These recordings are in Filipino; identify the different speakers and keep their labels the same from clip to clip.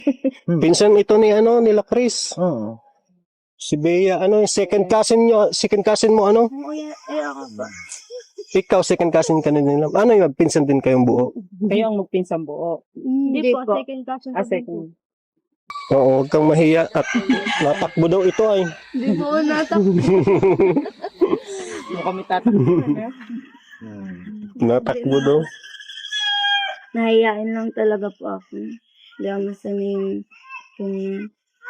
Speaker 1: Pinsan ito ni nila Chris.
Speaker 2: Oo.
Speaker 1: Si Bea, yung second cousin mo, ano?
Speaker 3: Ako ba?
Speaker 1: Ikaw, second cousin ka na nila. Ano yung pinsan din kayong buo?
Speaker 2: Kayo ang magpinsang buo.
Speaker 3: Hindi po, second cousin.
Speaker 2: Second.
Speaker 1: Oo, huwag kang mahiya at natakbo daw ito ay.
Speaker 3: Hindi po natakbo.
Speaker 2: Ano kami tatakbo na?
Speaker 1: Natakbo daw.
Speaker 3: Nahiyain lang talaga po ako. Hindi ako masanay yung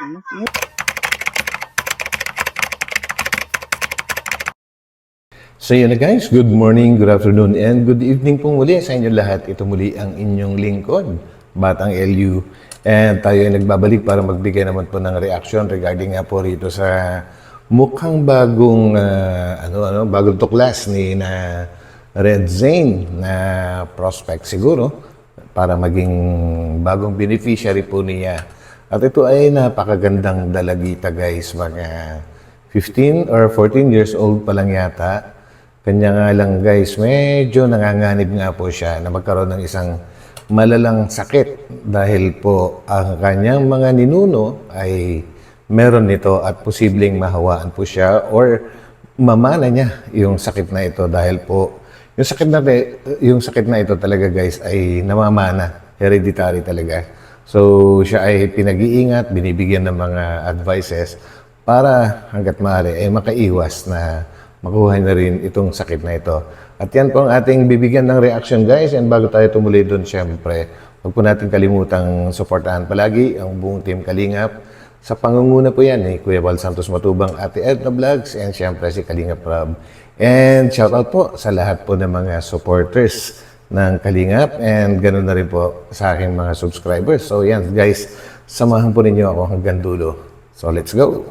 Speaker 4: So yun na guys, good morning, good afternoon, and good evening po muli sa inyo lahat. Ito muli ang inyong lingkod, Batang LU. And tayo ay nagbabalik para magbigay naman po ng reaction regarding nga po rito sa mukhang bagong, bagong tuklas ni na Red Zane na prospect siguro para maging bagong beneficiary po niya. At ito ay napakagandang dalagita guys, mga 15 or 14 years old pa lang yata. Kanya nga lang guys, medyo nanganganib nga po siya na magkaroon ng isang malalang sakit dahil po ang kanyang mga ninuno ay meron nito at posibleng mahawaan po siya or mamana niya yung sakit na ito dahil po yung sakit na ito talaga guys ay namamana, hereditary talaga. So siya ay pinag-iingat, binibigyan ng mga advices para hanggat maaari ay makaiwas na makuha na rin itong sakit na ito. At yan po ang ating bibigyan ng reaction guys. And bago tayo tumuloy doon, syempre, huwag po natin kalimutang suportahan palagi ang buong Team Kalingap. Sa pangunguna po yan ni Kuya Val Santos Matubang, Ate Edna Vlogs, and syempre si Kalingap Rob. And shoutout po sa lahat po ng mga supporters ng Kalingap and ganoon na rin po sa aking mga subscribers. So yan guys, samahan po ninyo ako hanggang dulo. So let's go!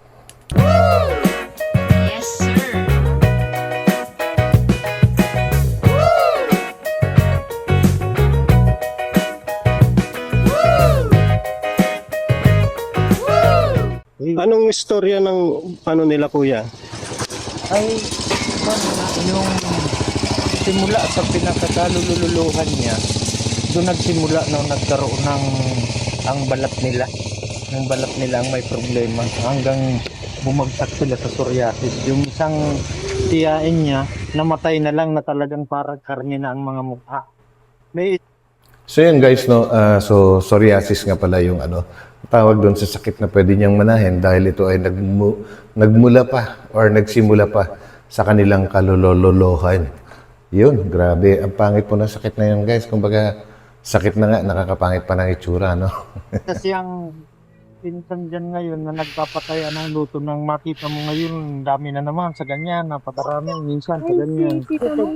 Speaker 1: Anong istorya ng nila kuya?
Speaker 2: Ay, yung simula sa pinakakalululuhan niya, doon nagsimula nung nagkaroon ng ang balat nila. Yung balat nila ang may problema hanggang bumagsak sila sa psoriasis. Yung isang tiyain niya, namatay na lang na talagang parang karne na ang mga mukha. May
Speaker 4: So yun guys, no, so psoriasis nga pala yung tawag doon sa sakit na pwede niyang manahin dahil ito ay nagmula pa or nagsimula pa sa kanilang kalololohan. Yun, grabe. Ang pangit po ng sakit na yun guys. Kumbaga, sakit na nga, nakakapangit pa ng itsura, no?
Speaker 2: kasi ang pinsan dyan ngayon na nagpapataya ng luto ng makita mo ngayon, dami na naman sa ganyan, napakarami minsan sa ganyan.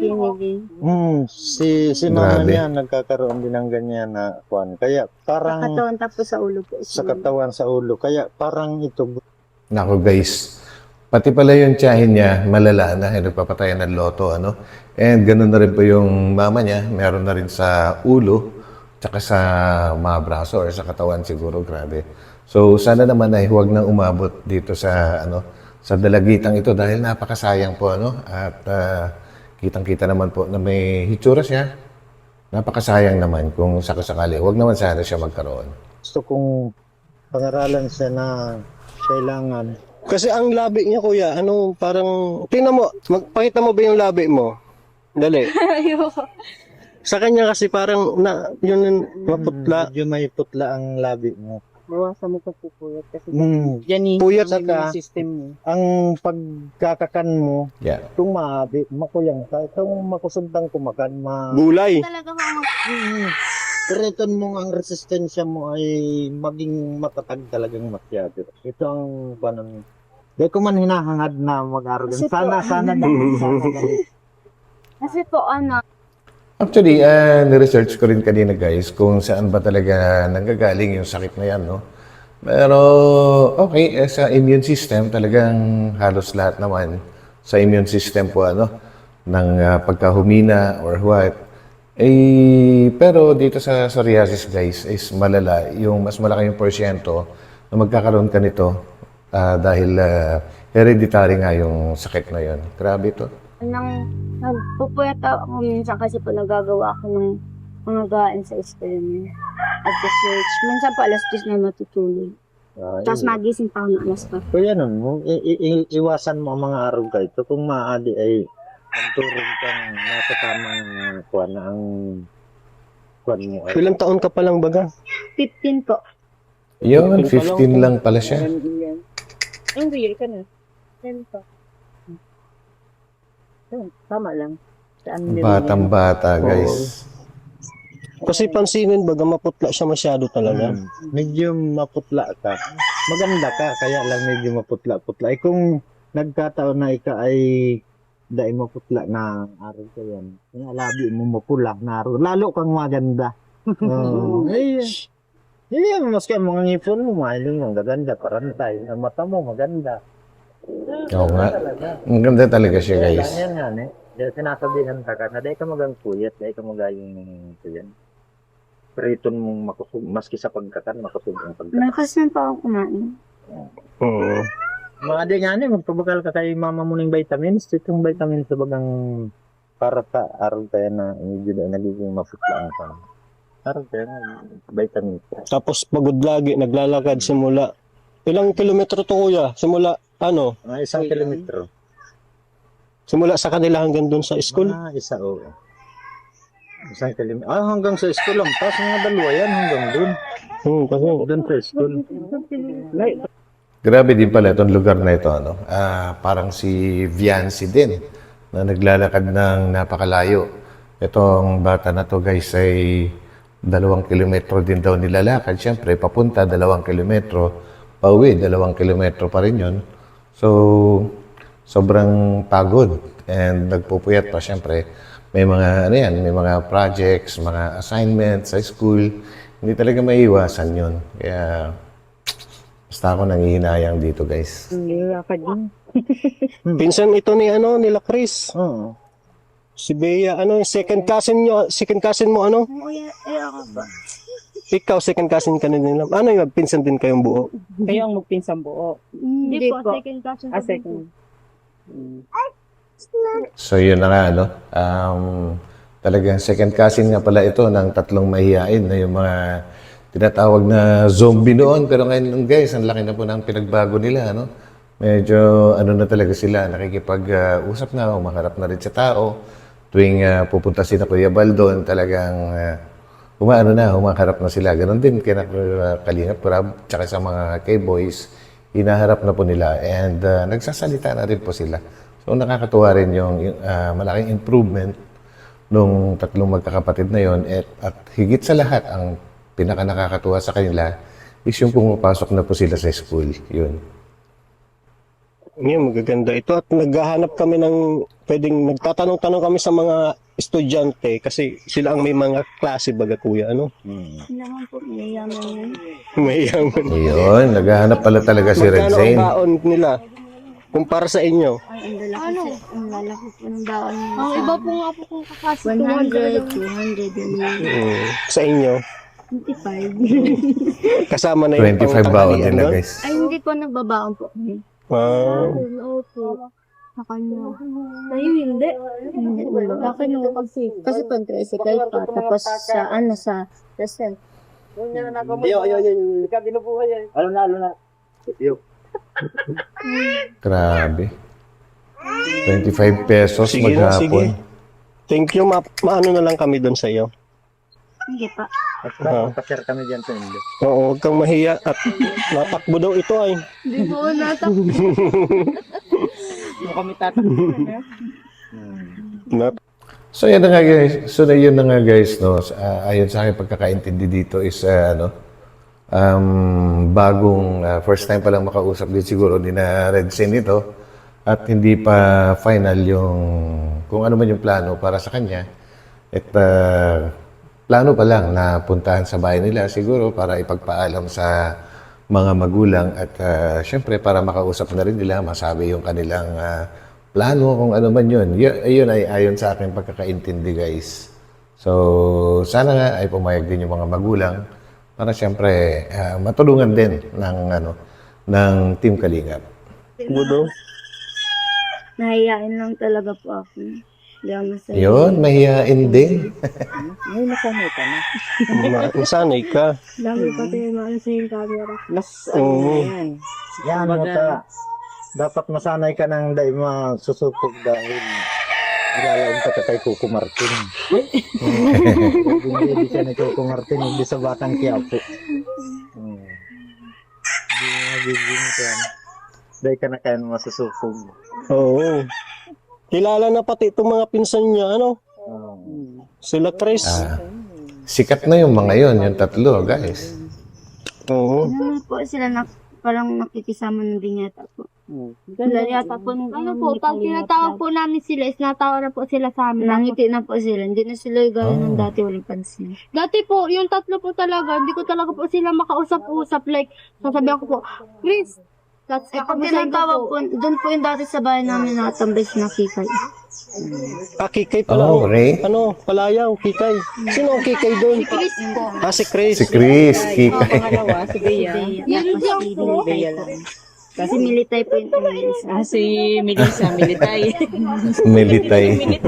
Speaker 2: Si mama
Speaker 4: Grabe.
Speaker 2: niya nagkakaroon din ng ganyan na kuan. Kaya parang
Speaker 3: katawan tapos sa ulo po.
Speaker 2: sa katawan sa ulo. Kaya parang ito
Speaker 4: Nako guys, pati pala yung tiyahin niya, malala na, nagpapatayan ng loto, And ganun na rin po yung mama niya, meron na rin sa ulo, tsaka sa mga braso or sa katawan siguro, grabe. So sana naman ay huwag nang umabot dito sa sa dalagitang ito dahil napakasayang po at kitang-kita naman po na may hitsura siya. Napakasayang naman kung sakasakali. Huwag naman sana siya magkaroon.
Speaker 2: gusto kong pangaralan siya na kailangan.
Speaker 1: Kasi ang labi niya kuya, parang, tingnan mo, magpakita mo ba yung labi mo? Dali.
Speaker 3: Ayoko.
Speaker 1: Sa kanya kasi parang, yun maputla.
Speaker 2: Medyo may putla ang labi mo.
Speaker 3: Bawasan mo pa po puyat kasi
Speaker 2: Yan
Speaker 1: Puyat
Speaker 2: saka,
Speaker 3: system mo.
Speaker 2: ang pagkakakan mo,
Speaker 4: Yeah.
Speaker 2: tumabi, makuyang ka. Itong makusundang kumakan,
Speaker 1: Gulay.
Speaker 3: Talaga ako
Speaker 2: Return mo ang resistensya mo ay maging matatag talagang masyado. Ito ang panon. Di ko man hinahangad na mag-arogan.
Speaker 3: Kasi po,
Speaker 2: Sana
Speaker 3: Kasi po
Speaker 4: Actually, ni-research ko rin kanina guys kung saan ba talaga nanggagaling yung sakit na yan, no? Pero, okay, sa immune system, talagang halos lahat naman sa immune system po, ng pagkahumina or what. Pero dito sa psoriasis guys, is malala, yung mas malaki yung porsyento na magkakaroon ka nito dahil hereditary nga yung sakit na yun. Grabe ito.
Speaker 3: nagpupuyat ako minsan kasi po nagagawa ako ng mga gawain sa school niya. At sa church. Minsan po alas 10 na matutulog. Tapos magising pa ako ng alas 4.
Speaker 2: Kaya nun, iwasan mo ang mga araw ka ito. Kung maaari ay magturong kang nasa tamang kuwan na ang kuwan mo. Ay,
Speaker 1: Ilang taon ka pa lang baga?
Speaker 3: 15 po.
Speaker 4: Yun, 15 lang pala siya.
Speaker 3: Ang weird ka na. 10 po. Tama lang. Saan din
Speaker 4: Batang-bata, guys.
Speaker 1: Kasi pansinin baga maputla siya masyado talaga.
Speaker 2: medyo maputla ka. Maganda ka, kaya lang medyo maputla-putla. Eh kung nagkataon na ika ay dahil maputla na araw ka yan. Yung labi mo mapula na araw. Lalo kang maganda. Hindi, maski ang mga ngipon mo, mahiling mo, gaganda, parantay. Ang mata mo, maganda.
Speaker 4: Oo nga. Ang ganda talaga siya, guys.
Speaker 2: Yan nga, eh. Dahil sinasabihan ka na dahil ka magang puyat, dahil ka magayong ito yan. Periton mong makusog, maski sa pagkakan, makusog ang pagkakan.
Speaker 3: Malakas na pa ako kumain.
Speaker 1: Oo.
Speaker 2: Mga di nga magpabakal ka kay mama mo ng vitamins. Itong vitamins sa bagang para sa araw tayo na medyo na nagiging maputlaan ka. Araw tayo na vitamins.
Speaker 1: Tapos pagod lagi, naglalakad simula. Ilang kilometro to kuya? Simula ano?
Speaker 2: Mga 1 kilometro.
Speaker 1: Simula sa kanila hanggang doon sa school?
Speaker 2: Isa o. 1 kilometro. Hanggang sa school lang. Tapos mga dalawa yan hanggang doon.
Speaker 1: Kasi
Speaker 2: Doon sa school.
Speaker 4: Grabe din pala itong lugar na ito, ano? Parang si Viancy din, na naglalakad ng napakalayo. Itong bata na to, guys, ay 2 kilometro din daw nilalakad. Siyempre, papunta 2 kilometro, pauwi 2 kilometro pa rin yun. So, sobrang pagod and nagpupuyat pa. Siyempre, may mga, ano yan, may mga projects, mga assignments sa school. Hindi talaga maiiwasan yun. Kaya, basta ako nangihinayang dito, guys.
Speaker 3: Nilakad din.
Speaker 1: pinsan ito ni ano nila Chris.
Speaker 2: Oo.
Speaker 1: Si Bea, ano, second cousin mo, ano?
Speaker 3: Ako ba?
Speaker 1: Ikaw, second cousin ka na nila. Ano yung pinsan din kayong buo?
Speaker 5: Kayo ang magpinsang buo.
Speaker 3: Hindi po.
Speaker 5: Second.
Speaker 4: So, yun na nga, ano? Talagang second cousin nga pala ito ng 3 mahihain na yung mga tinatawag na zombie noon. Pero ngayon, guys, ang laki na po ng pinagbago nila, ano? Medyo, ano na talaga sila, nakikipag-usap na, umaharap na rin sa tao. Tuwing pupunta si na Kuya Baldon, talagang humaharap na sila. Ganon din kaya Kalingap Crab, tsaka sa mga K-boys, hinaharap na po nila. And nagsasalita na rin po sila. So, nakakatuwa rin yung malaking improvement nung 3 magkakapatid na yon. At higit sa lahat, ang pinaka nakakatuwa sa kanila is yung pumapasok na po sila sa school. Yun.
Speaker 1: Ngayon, magaganda ito. At naghahanap kami ng nagtatanong-tanong kami sa mga estudyante kasi sila ang may mga klase baga kuya, ano?
Speaker 3: Hindi naman po, mayayaman yun.
Speaker 1: May yaman.
Speaker 4: Yun, naghahanap pala talaga si Red
Speaker 1: Magkano ang
Speaker 4: Zane.
Speaker 1: baon nila? Kumpara sa inyo?
Speaker 3: Ay, ang lalaki po ng baon nila.
Speaker 5: Ang iba po nga po kung kakasi
Speaker 3: 100, 200 yun.
Speaker 1: Sa inyo?
Speaker 3: 25.
Speaker 1: Kasama na yung
Speaker 4: 25 baon
Speaker 1: pangtanghalian
Speaker 4: nila,
Speaker 1: doon?
Speaker 4: guys.
Speaker 3: Ay, hindi po nagbabaon po.
Speaker 5: Oo po. Sa kanya. Sa'yo hindi.
Speaker 3: Hindi wala.
Speaker 5: Sa akin yung pag-save.
Speaker 3: Kasi pag tricycle pa, tapos sa present.
Speaker 4: Grabe. 25 pesos
Speaker 1: Sige na, sige.
Speaker 4: maghapon.
Speaker 1: Thank you, maano na lang kami doon sa iyo.
Speaker 3: Hindi pa.
Speaker 2: At pa-share kami dyan sa inyo.
Speaker 1: Oo, huwag kang mahiya at natakbo daw ito ay.
Speaker 5: Hindi po natakbo. Yung kami tatakbo na.
Speaker 4: So yun na nga guys. Yun na nga guys, no. Ayon sa akin pagkakaintindi dito is bagong first time pa lang makausap din siguro ni na Red Zane ito at hindi pa final yung kung ano man yung plano para sa kanya. At plano pa lang na puntahan sa bahay nila siguro para ipagpaalam sa mga magulang at syempre para makausap na rin nila, masabi yung kanilang plano kung ano man yun. Yun ay ayon sa aking pagkakaintindi guys. So sana nga ay pumayag din yung mga magulang para syempre matulungan din ng Team Kalingap.
Speaker 1: Budo.
Speaker 3: Nahiyain lang talaga po ako. Hindi ako masaya.
Speaker 4: Yun, mahihain din.
Speaker 2: Ngayon nasanay ka na.
Speaker 1: Nasanay ka.
Speaker 5: Dami pa tayo maano sa yung camera.
Speaker 2: Mas
Speaker 1: Oo.
Speaker 2: yan.
Speaker 6: Yan mo ta. Dapat masanay ka ng dahil masusupog dahil ilalaong ka kay Coco Martin. Hindi siya ni Coco Martin, hindi sa Batang Quiapo. Hindi magiging ka. Dahil ka na kaya masusupog.
Speaker 1: Oo. Kilala na pati itong mga pinsan niya, ano? Sila Chris.
Speaker 4: Sikat na yung mga yon, yung tatlo, guys.
Speaker 1: Oo.
Speaker 3: Ano po sila parang nakikisama ng binyata po. Sila yata po
Speaker 5: Ano po, pag tinatawag po namin sila, is natawa na po sila sa amin.
Speaker 3: Nangiti na po sila. Hindi na sila gaya ng dati walang pansin.
Speaker 5: Dati po, yung tatlo po talaga, hindi ko talaga po sila makausap-usap. Like, sasabihan ko po, Chris, that's
Speaker 3: Eh, pag tinatawag po, doon po yung dati sa bahay namin nakatambay si Nakikay.
Speaker 1: Kikay pala.
Speaker 4: Oh, Ray.
Speaker 1: Ano? Palayaw, Kikay. Sino ang Kikay doon?
Speaker 3: Chris po.
Speaker 1: Si Chris.
Speaker 4: Si Chris, Kika.
Speaker 2: Pangalawa, si Bea.
Speaker 5: Yun lang po.
Speaker 3: Militay po. Kasi militay po yung umalis.
Speaker 2: Si Melissa, militay.
Speaker 4: Militay.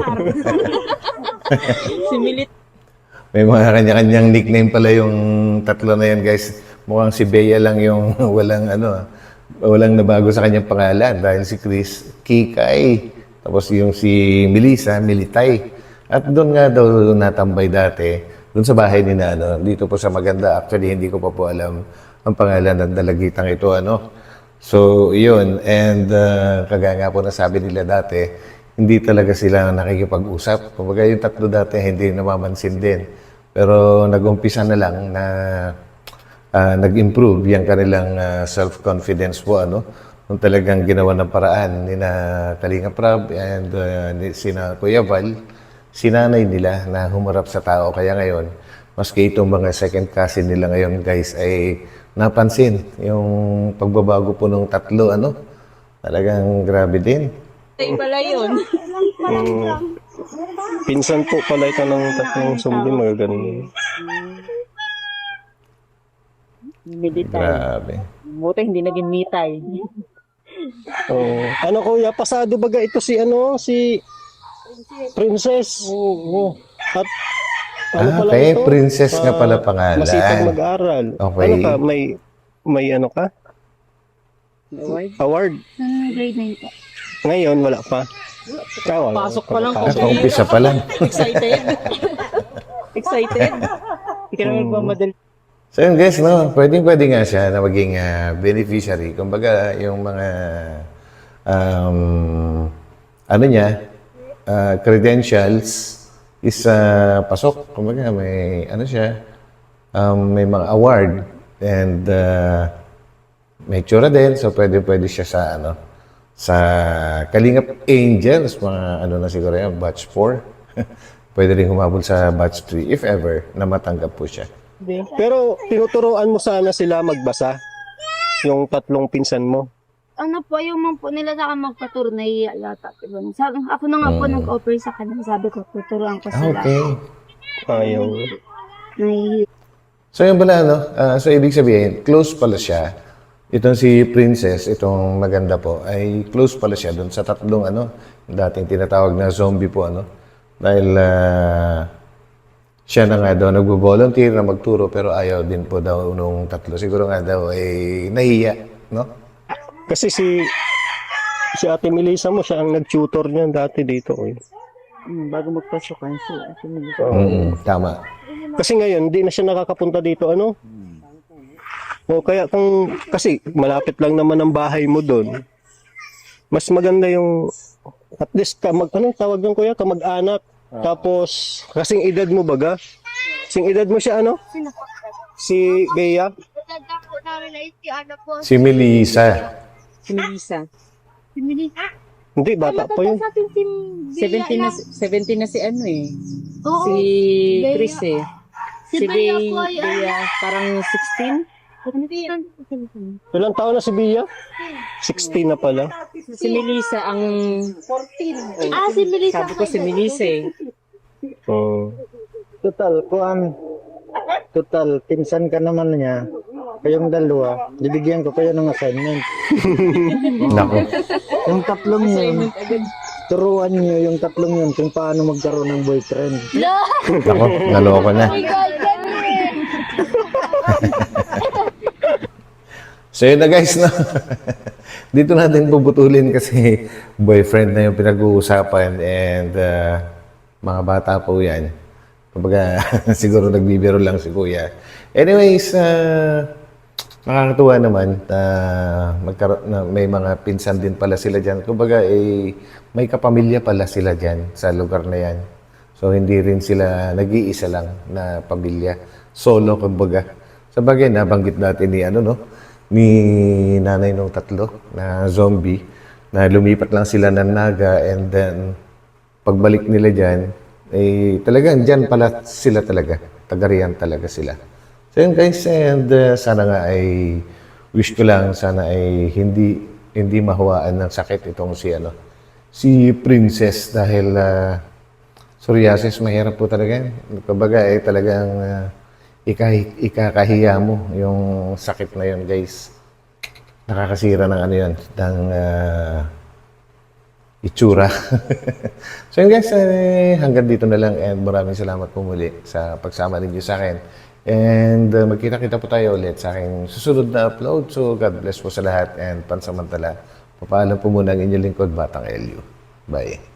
Speaker 2: Si Milit.
Speaker 4: May mga kanya-kanyang nickname pala yung tatlo na yan, guys. Mukhang si Bea lang yung walang nabago sa kanyang pangalan dahil si Chris, Kikay. Tapos yung si Melissa, Militay. At doon nga daw natambay dati, doon sa bahay ni na, dito po sa Maganda. Actually, hindi ko pa po alam ang pangalan ng dalagitang ito, So, yun. And kagaya nga po nasabi nila dati, hindi talaga sila nakikipag-usap. Kumbaga yung tatlo dati, hindi namamansin din. Pero nag-umpisa na lang na nag-improve yung kanilang self-confidence po, Nung talagang ginawa ng paraan ni na Kalinga Prab and ni sina Kuya Val, sinanay nila na humarap sa tao. Kaya ngayon, maski itong mga second cousin nila ngayon, guys, ay napansin yung pagbabago po ng tatlo, Talagang grabe din.
Speaker 2: Ay pala yun.
Speaker 1: Pinsan po pala ito ng tatlong sumbi, mga ganun.
Speaker 2: Militay.
Speaker 4: Grabe.
Speaker 2: Buti hindi naging mitay.
Speaker 1: Oo. Ano kuya, pasado baga ito si Princess. Oo. At pala
Speaker 4: Okay,
Speaker 1: ito?
Speaker 4: Princess nga pala pangalan.
Speaker 1: Masipag mag-aral.
Speaker 4: Okay.
Speaker 1: Ano ka, may ano ka? Award.
Speaker 3: Grade 9 po.
Speaker 1: Ngayon, wala pa. Ikaw,
Speaker 2: Pasok pa lang po.
Speaker 4: Umpisa pa lang.
Speaker 2: Excited. Excited. Hindi ka naman magmamadali.
Speaker 4: So yun guys, pwede nga siya na maging beneficiary. Kumbaga, yung mga credentials is pasok. Kumbaga, may may mga award and may tsura din. So pwede siya sa sa Kalingap Angels, mga na siguro yan, batch 4. Pwede rin humabol sa batch 3 if ever na matanggap po siya.
Speaker 1: Pero tinuturuan mo sana sila magbasa, yung tatlong pinsan mo.
Speaker 3: Ano po, yung mga po nila sa akin magpaturo, nahiya yata. Sabi, ako na nga po nag-offer sa kanila. Sabi ko, tuturuan ko sila.
Speaker 4: Okay.
Speaker 1: Ayaw.
Speaker 3: Nahiya.
Speaker 4: So yun pala, so ibig sabihin, close pala siya. Itong si Princess, itong maganda po, ay close pala siya doon sa tatlong dating tinatawag na zombie po, Dahil siya na nga daw nagbo-volunteer na magturo pero ayaw din po daw nung tatlo. Siguro nga daw ay nahiya,
Speaker 1: Kasi si Ate Melissa mo, siya ang nag-tutor niyan dati dito.
Speaker 2: Bago magpasukan siya.
Speaker 4: Tama.
Speaker 1: Kasi ngayon, hindi na siya nakakapunta dito, O kaya kasi malapit lang naman ang bahay mo doon. Mas maganda yung, at least, tawag ng kuya, kamag-anak. Tapos, kasing edad mo baga? Kasing edad mo siya, Si Bea?
Speaker 5: Tanda po namin na si ano po.
Speaker 4: Si Melissa.
Speaker 2: Si Melissa.
Speaker 5: Si Melissa.
Speaker 1: Hindi, bata pa yun.
Speaker 5: Sa atin si Bea
Speaker 2: 17 na,
Speaker 5: lang.
Speaker 2: 17 na si
Speaker 5: Oo.
Speaker 2: Si
Speaker 5: Bea.
Speaker 2: Chris
Speaker 5: Si
Speaker 2: Si
Speaker 5: Bea po ay
Speaker 2: Bea, parang 16.
Speaker 1: Ilang taon na si Bea? 16 na pala.
Speaker 2: Si Melissa ang 14.
Speaker 5: Si Melissa.
Speaker 2: Sabi ko si Melissa
Speaker 1: Oh.
Speaker 6: Total, pinsan ka naman niya. Kayong dalawa, bibigyan ko kayo ng assignment.
Speaker 4: Nako.
Speaker 6: Yung tatlong yun, turuan niyo yung tatlong yun kung paano magkaroon ng boyfriend.
Speaker 4: Ako, naloko na. So yun na guys, no? Dito natin puputulin kasi boyfriend na yung pinag-uusapan and mga bata po yan. Kumbaga, siguro nagbibiro lang si Kuya. Anyways, nakakatuwa naman na may mga pinsan din pala sila dyan. Kumbaga, may kapamilya pala sila dyan sa lugar na yan. So, hindi rin sila nag-iisa lang na pamilya. Solo, kumbaga. Sa bagay, nabanggit natin ni nanay nung tatlo na zombie na lumipat lang sila ng Naga and then pagbalik nila dyan, talagang dyan pala sila talaga. Tagarihan talaga sila. So yun guys, and sana nga ay wish ko lang, sana ay hindi mahawaan ng sakit itong si Princess dahil psoriasis mahirap po talaga yan. Kumbaga talagang ikakahiya mo yung sakit na yun guys. Nakakasira ng ng itsura. So yun guys, hanggang dito na lang and maraming salamat po muli sa pagsama ninyo sa akin. And magkita-kita po tayo ulit sa aking susunod na upload. So God bless po sa lahat and pansamantala. Papaalam po muna ang inyong lingkod, Batang Elio. Bye.